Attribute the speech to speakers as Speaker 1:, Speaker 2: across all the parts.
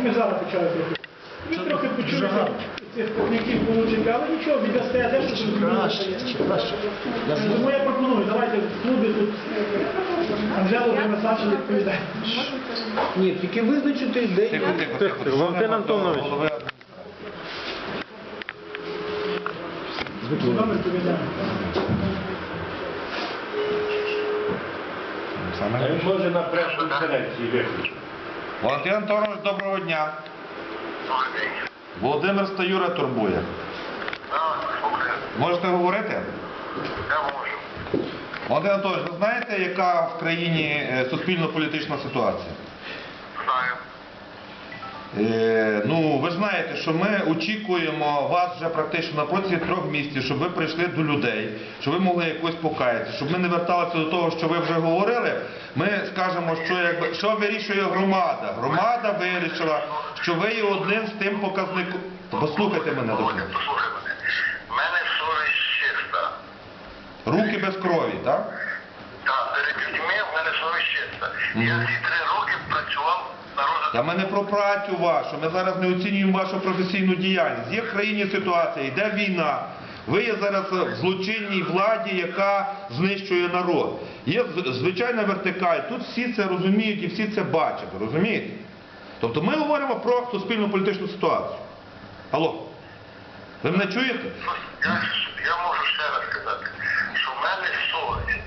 Speaker 1: ми зараз почали трохи. Ми трохи почули цих покників получити, але нічого, віддасте, де що
Speaker 2: Краще.
Speaker 1: Тому я пропоную, давайте в клубі тут Анжелу Демесачу відповідає.
Speaker 2: Ні, тільки визначити день.
Speaker 3: Тихо. Валентин Антонович.
Speaker 1: Номер відповідає.
Speaker 4: А він може на прес-конференції виключити.
Speaker 5: Валентин Антонович, доброго дня. Володимир Стаюра турбує. Можете говорити?
Speaker 6: Я можу.
Speaker 5: Валентин Антонович, ви знаєте, яка в країні суспільно-політична ситуація?
Speaker 6: Знаю.
Speaker 5: Ну, ви ж знаєте, що ми очікуємо вас вже практично на протязі 3 місяців, щоб ви прийшли до людей, щоб ви могли якось покаятися, щоб ми не верталися до того, що ви вже говорили. Ми скажемо, що вирішує громада. Громада вирішила, що ви є одним з тим показником. Послухайте мене,
Speaker 6: Послухай мене. В мене совість чиста.
Speaker 5: Руки без крові, так?
Speaker 6: Так, перед людьми в мене совість чиста. Я ці 3 роки працював на розвитку.
Speaker 5: Та ми не про працю вашу, ми зараз не оцінюємо вашу професійну діяльність. Є в країні ситуація, йде війна. Ви є зараз в злочинній владі, яка знищує народ. Є звичайна вертикаль, тут всі це розуміють і всі це бачать, розумієте? Тобто ми говоримо про суспільно-політичну ситуацію. Алло, ви мене чуєте?
Speaker 6: Я можу ще раз сказати, що в мене совість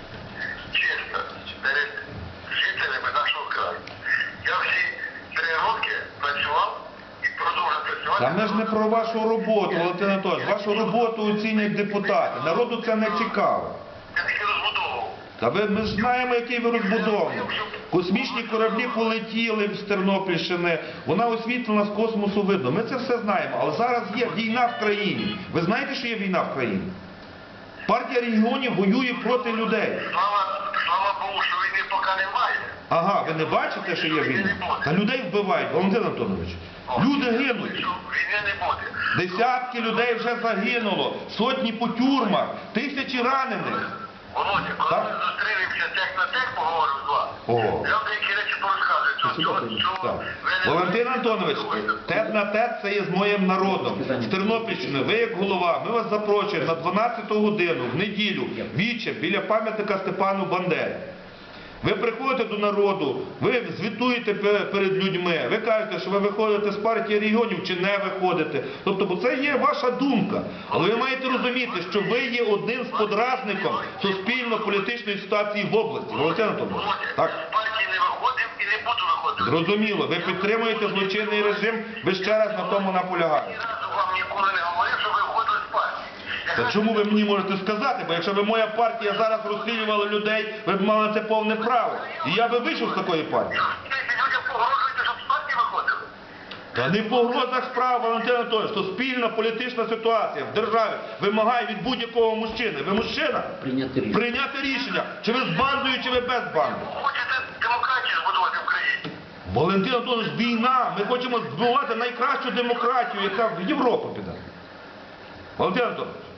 Speaker 6: чиста перед жителями нашого краю. Я всі 3 роки працював і продовжую працювати.
Speaker 5: Та ми ж не про вашу роботу, Валентин Анатолійович. Вашу роботу оцінюють депутати. Народу це не цікаво.
Speaker 6: Я тільки розбудовував.
Speaker 5: Та ми ж знаємо, який ви розбудований. Космічні кораблі полетіли з Тернопільщини, вона освітлена з космосу видно. Ми це все знаємо. Але зараз є війна в країні. Ви знаєте, що є війна в країні? Партія регіонів воює проти людей.
Speaker 6: Слава Богу, що війни поки немає.
Speaker 5: Ага, ви не бачите, що є війна? Та людей вбивають, Валентин Антонович. Люди гинуть.
Speaker 6: Війни не буде.
Speaker 5: Десятки людей вже загинуло, сотні по тюрмах, тисячі ранених.
Speaker 6: Володя, коли
Speaker 5: Так?
Speaker 6: ми зустрілися тех на тех, поговорив з вами,
Speaker 5: О.
Speaker 6: я деякі речі порозказую.
Speaker 5: Так. Валентин Антонович, тет на тет це є з моїм народом. З Тернопільщини, ви як голова, ми вас запрошуємо на 12 годину в неділю, віче, біля пам'ятника Степану Бандері. Ви приходите до народу, ви звітуєте перед людьми, ви кажете, що ви виходите з партії регіонів чи не виходите. Тобто, бо це є ваша думка. Але ви маєте розуміти, що ви є одним з подразником суспільно-політичної ситуації в області. Валентин Антонович,
Speaker 6: Володя,
Speaker 5: так?
Speaker 6: я з партії не виходив і не буду виходити.
Speaker 5: Зрозуміло, ви підтримуєте злочинний режим, ви ще раз на тому наполягаєте.
Speaker 6: Ні разу вам ніколи не говорив, що ви виходили з партії.
Speaker 5: Та чому ви мені можете сказати? Бо якщо б моя партія зараз розстрілювала людей, ви б мали на це повне право. І я би вийшов з такої партії.
Speaker 6: Ви людям погрожуєте, щоб з партії виходили?
Speaker 5: Та не по грозах справ, Валентин Анатолійович, суспільна політична ситуація в державі вимагає від будь-якого мужчини. Ви мужчина? Прийняти рішення. Чи ви з бандою, чи ви без банди.
Speaker 6: Хочете демократію збудувати в країні?
Speaker 5: Валентин Анатолійович, війна. Ми хочемо збудувати найкращу демократію, яка в Європу піде. Валентин Анатолійович.